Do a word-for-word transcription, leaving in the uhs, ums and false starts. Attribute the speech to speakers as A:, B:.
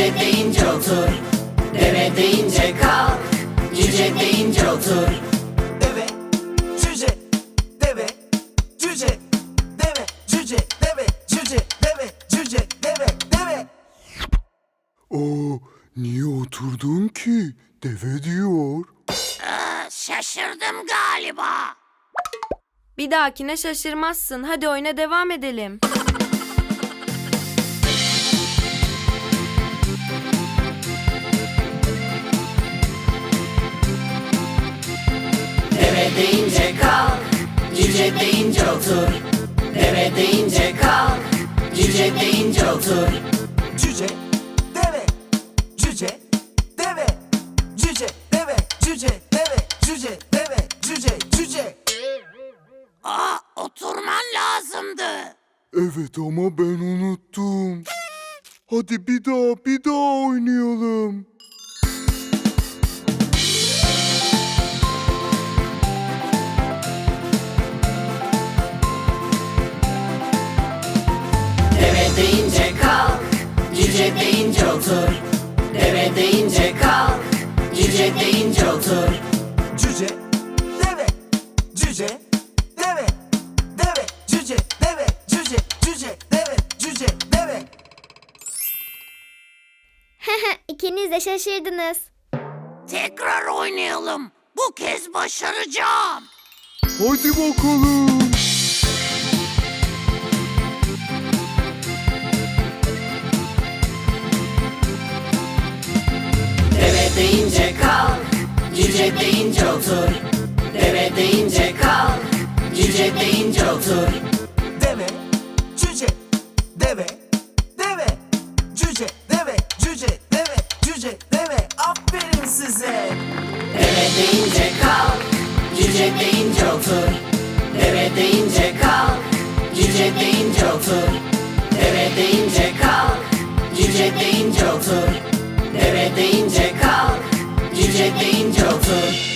A: Cüce deyince otur, deve deyince kalk. Cüce deyince otur.
B: Deve, cüce, deve, cüce, deve, cüce, deve, cüce, deve, cüce, deve, deve.
C: Aa, niye oturdun ki? Deve diyor.
D: Ee, şaşırdım galiba.
E: Bir dahakine şaşırmazsın. Hadi oyuna devam edelim.
A: Deve deyince kalk, cüce deyince otur. Deve deyince kalk, cüce deyince otur.
B: Cüce, deve, cüce, deve, cüce, deve, cüce, deve, cüce, deve, cüce, cüce.
D: Aa, oturman lazımdı.
C: Evet ama ben unuttum. Hadi bir daha bir daha oynayalım.
A: Deve deyince kalk, cüce deyince otur. Deve deyince kalk, cüce deyince otur.
B: Cüce, deve, cüce, deve, deve, cüce, deve, cüce, cüce, deve, cüce, deve.
F: İkiniz de şaşırdınız.
D: Tekrar oynayalım. Bu kez başaracağım.
C: Hadi bakalım.
A: Deve deyince kalk, cüce deyince otur. Deve deyince kalk, cüce deyince otur.
B: Deve, cüce, deve, deve, cüce, deve, cüce, deve, cüce, deve. Aferin size.
A: Deve deyince kalk, cüce deyince otur. Deve deyince kalk, cüce deyince otur. Deve deyince kalk, cüce deyince otur. Deve deyince kalk, cüce deyince otur.